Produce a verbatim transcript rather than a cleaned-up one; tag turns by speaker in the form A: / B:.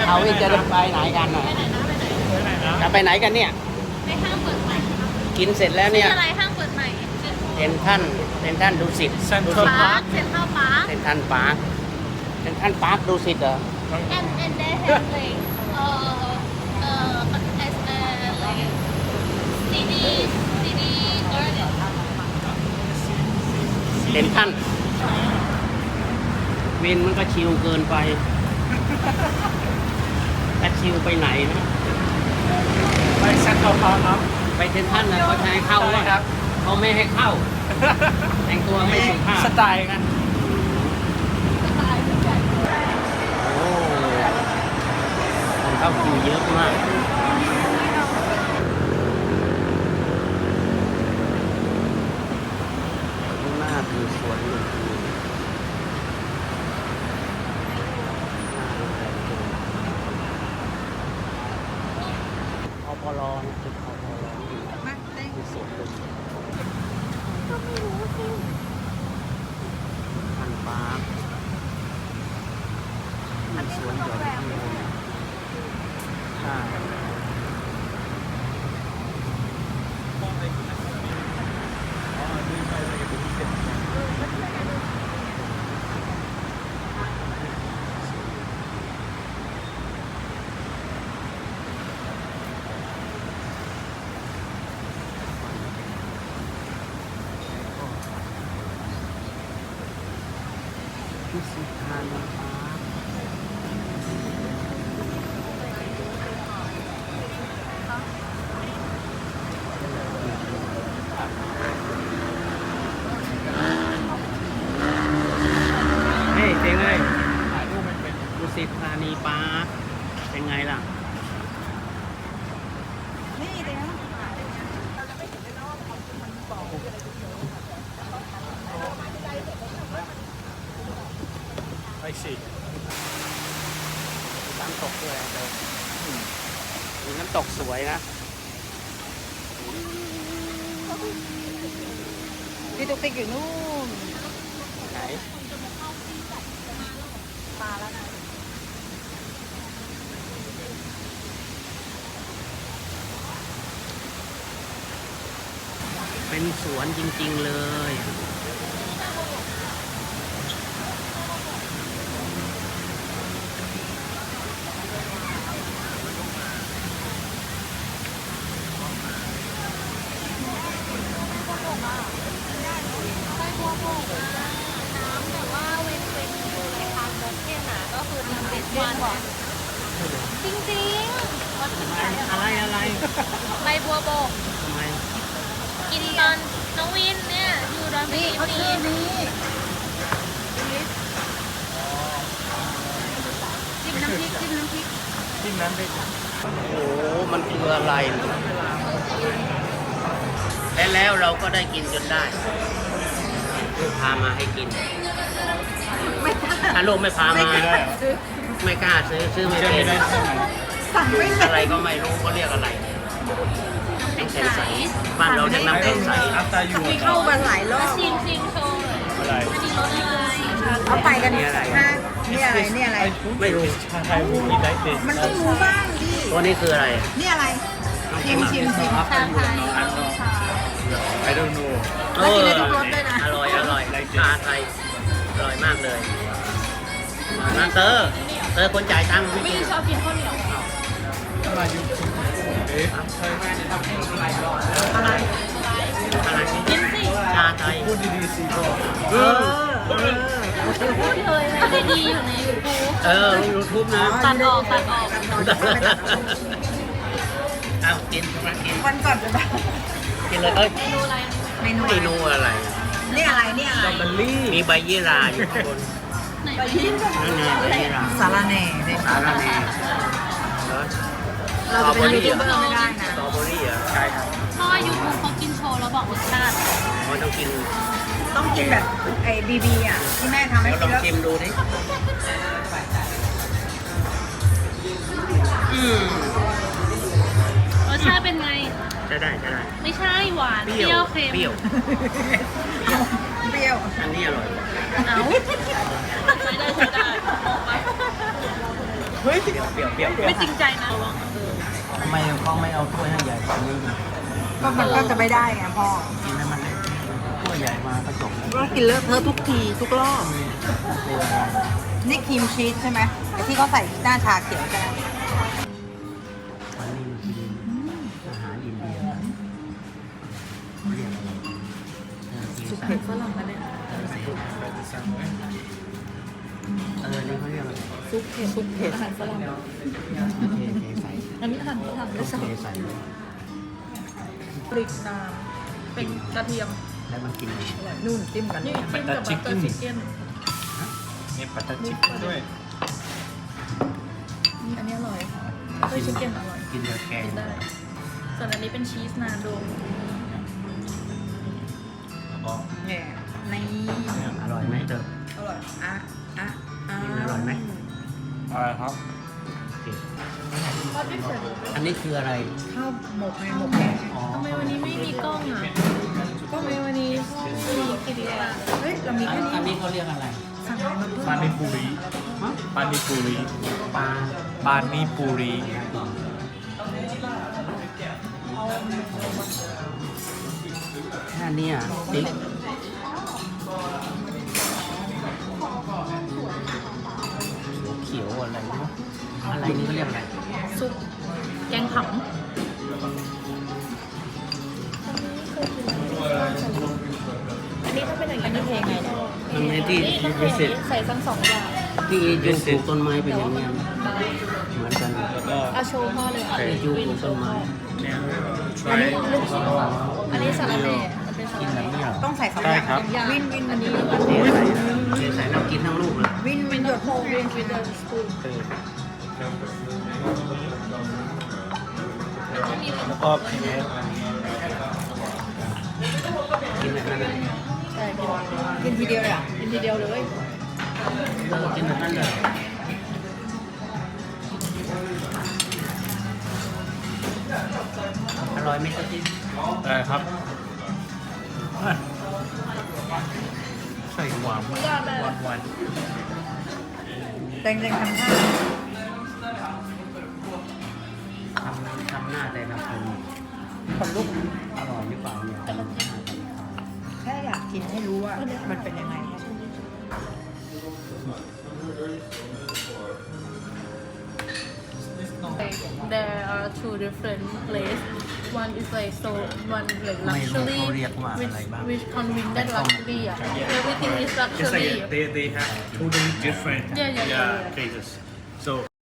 A: เขาอีกจะไปไหนกันหน่อยจะไปไหนกันเนี่ย
B: ไปห้างเปิดใหม่
A: กินเสร็จแล้วเนี่ย
B: อะไรห้างเปิดใหม่
A: เซ็นท่านเซ็นท่านดูสิต
C: เซ็นทรั
A: ดู
C: ล
A: สิต
B: ปาร์คเซ็นทรัลปาร์ค
A: เซ็นท่านปาร์คเซ็นท่านปาร์คดูสิตเหรอ
B: and and they have like เอ่อเอ่อ as a like city city garden
A: เซ็นท่านวินมันก็ชิลเกินไปแต่ชิลไปไหนนะ
C: ไปเซ็นทรัลพาร์คครับ
A: ไปเซ็นท่านนะเขาจะให้เข้าว่า
C: ครับ
A: เขาไม่ให้เข้า แต่งตัวไม่สุภาพ
C: สไตล์ไง
A: โอ้คนเข้าคิวเยอะมากข้างหน้าคือสวนลุมพินีอปลนะจุดอปลคือสวนลุมพินีพันปาร์คมันสวนหย่อมที่นี่ใช่ที่สุดท้ายนะครับเฮ้ยเจ๋งเลยถ่ายรูปไม่เป็นดุสิตธานีปาร์คเป็นไงล่ะ
C: ไปสิ
A: น้ำตกด้วยเดี๋ยวมีน้ำตกสวยนะ
D: พี่ตุ๊กติ๊กอยู่นู่น
A: ไหน
D: ปลาแล้วนะ
A: เป็นสวนจริงๆเลย
B: ไปบัวโบกอะน้ำแต่ว่าเว้นเว้นอยู่ในทางโมเคนอ่ะก็คือน้ำเป็นวันอะจริงๆวันที่ไหน
A: อะไรอะไร
B: ไปบัวโบก
A: ทำไม
B: กินตอนน้องวินเนี่ยอยู่ดอนเมื
D: นี่
B: อง
D: เขาชื่อนี้
B: จิ้มน้ำพริกจิ้มน้ำพริก
C: ที่นั้นไป
A: โอ้โห มันคืออะไร และแล้วเราก็ได้กินจนได้ลูกพามาให้กิน ถ้าลูกไม่พามา
C: ไม่ได้เหรอ
A: ไม่กล้าซื้อ ซื้อไม่
C: เชื่อ
A: เป็
C: ไม่
A: น
C: ได้ใช่ไหม
D: สั่งไม่เป็น
A: อะไรก็ไม่รู้เขาเรียกอะไรน้ำแข็งใสบ้านเราเรียกน้ำแข็งใส
C: อัพตาอยู่
D: มีเข้ามาหลายรอบ
B: ชิมชิมโชว์เลย
C: อะไร
B: อันนี้รสอะไร
D: เขาไปกันห้านี่อะไรนี่อะไร
A: ไม่รู้
C: ชาไทยวูมีได้เด็ก
D: มันต้องรู้บ้างดิ
A: ตัวนี้คืออะไร
D: นี่อะไร ชิมชิมชิม
B: ชาไทย
C: อันนอ I don't know
A: เอออร่อยอร่อยชาไทยอร่อยมากเลยมาเตอร์เตอร์คนจ่ายตังค์ไม่
B: วิ
A: กิ
B: น
A: น
B: ชอบกินข้าวเหนียว
C: มาอยู่เอ๊ะ
D: อะไร
A: อะไร
B: กินสิ
A: ชาไทย
C: พูดดีๆสิพ่อ
A: เออ
D: เออ
B: พูดเลยนะไม่ดีอยู่ในยูทูบ
A: เออยูทูบนะ
B: ตัดออกตัดออก
A: เอากินใช่ไหมกิน
D: วันก่อนจะแบบ
A: กินเลยเอ้ย
B: เมนูอะไร
D: เมนู
A: เมนูอะไร
D: นี่อะไรนี่อะไร
C: บัลลี่
A: มีใบยี่ราอยู่ข้างบน
B: ไหนไปยิ้ม
A: นั่นไงใบยี่รา
D: สาระแหน่เนี่ย
A: สาระแหน่เหรอ
D: เราจะเป็นยูทูบเบอร์ไม่ได้นะ
A: สตรอเบอรี่เหรอใช่ครับ
B: เพราะว่ายูทูบเขากินโชว์แล้วบอกรสชาติ
A: มันต้องกิน
D: ต้องกินแบบไอ้บีบีอ่ะที่แม่ทำให้
A: เดี๋ยวล
D: กิ
A: อน ง
D: แล้ว
A: ชิมดูดิอืม
B: รสชาติเป็นไง
A: ใช่ได้ใช่ได้
B: ไม่ใช่หวาน
A: เป
B: เป
A: รี้
B: รี้
A: ย
B: ยว วเค็ม
A: เปรี้ยว
D: เปรี้ยว
A: อันนี้อร่อย
B: เอ้าใช้ได้ใช้ได้
A: เฮ้ยเปรี้ยวเปรี้ยว
C: ปรี้ยว
B: ไม่จริงใจนะระวังเออ
A: ทำไมเขาไม่เอาถ้วยให้ใหญ่กว่านี้
D: ก็มันก็จะไม่ได้ไงพ่อ
A: กินให้มันเล็กถ้วยใหญ่มาก็จบแล้ว
D: ก็กินเลอะเทอะทุกทีทุกรอบ
A: ตัวอะไร
D: นี่ครีมชีสใช่ไหมไอที่เขาใส่หน้าชาเขียวใช่ไหม
A: วันนี้กินอาหารอินเดียเรียกอะไรเออกิน
B: สุก
A: ใส่
B: เผ็ดฝรั่งนะเนี่ย
A: เออนี่เขาเรียกอะไร
B: ซุปเผ็ดซุปเผ็ดอาหารฝรั่ง
A: เทเทใส่
B: อันนี้อาหารฝรั่ง
A: ต้
B: ด้
A: อ
B: วย
A: ง
B: ซ้
A: เทใส่เลย
B: ำพริกน้ำเป็นกระเทียม
A: แล้วมันกินยังไง
B: นู่นจิ้มกันนี่จิ้มกับบัตเตอร์ชิคเก้น
C: มีปัตตาชิปด้วย
B: นี่อันนี้อร่อยบัตเตอร์ชิคเก้นอร่อย
A: กินเดือแกง
B: กินได้ ส่วนอันนี้เป็นชีสนาโด
C: อ๋อ
D: เนี่ยใน
A: อร่อยไหมเติม
D: อร่อยอ่ะอ่ะอ่ะ
A: อร่อยไหม
C: อะไรครับ
A: โอเคอันนี้คืออะไร
D: ข้าวหมกไงหมกแกง
A: อ๋อ
B: ทำไมวันนี้ไม่มีกล้องอ่ะทำไมวันนี้มีกิริยา
D: เฮ้ยเรามี
A: อัน
D: แค่นี้
A: อันนี้เขาเรียกอะไร
D: สั่งอะไรมาเพิ่ม
C: ปานิปุรี
A: ฮะ
C: ปานิปุรี
A: ปลา
C: ปานิปุรี
A: แค่เนี้อ่ะติ๊กเขียวอะไรเนาะอะไรนี่เขาเรียกอะไร
B: ซุปแกงผำอันนี้ถ้าเป็นอย่างนี้เพลงไงเนี่ย
A: มันในที่
B: นี่ต้องเพลงนี้ใส่ทั้งสองอย่าง
A: ที่ยูปลูกต้นไม้เป็นอย่างเงี้ยเหมือนกัน
C: แล้วก็
B: เอาโชว์พ่อเลยอ่ะ
A: ที่ยูปลูกต้นไม้
C: เนี่ย
B: อันนี้
C: try
B: ลูกชิ้นอันนี้สาระแหน่มันเป็นสา
A: กิน
B: ระ
A: แบ
B: แห
A: บ
B: น่
A: นี้เหรอ
D: ต้องใส่สอง
C: ใช่
D: อย่าง
C: ครับ
B: อย่าง
D: วินวิน
B: อันนี้
A: เทใส่นะเทใส่แล้วกินทั้งลูกเลย
D: วินวินหยด
B: โฮเวนวิดเดอร์สปูน
C: แล้วก็พีเอส
A: กินแบบนั้นเลย
B: ใช่กิน
D: กินทีเดียวเลยอ่ะ
B: กินทีเดียวเลย
A: เออกินแบบนั้นเลยอร่อยไหมครับที่
C: อะไรครับใส่หวานมากหวานหวาน
D: แตงแตงทำท่า
A: ทำทำหน้าแต่ละคน
D: ขนลุก
A: อร่อยหรือเปล่าเนี่ยทำหน้าแต่ละคน
D: แค่อยากกินให้รู้ว่ามันเป็นยังไง
B: There are two different places. One is like so, one like
A: ไม่รู้
B: luxury,
A: เขาเรียกว่า
B: which
A: อะไรบ้าง
B: which convince that luxury. Yeah. Everything is
C: It's
B: luxury.
C: like they, they have totally different
B: Yeah, yeah, yeah, yeah.
C: cases. So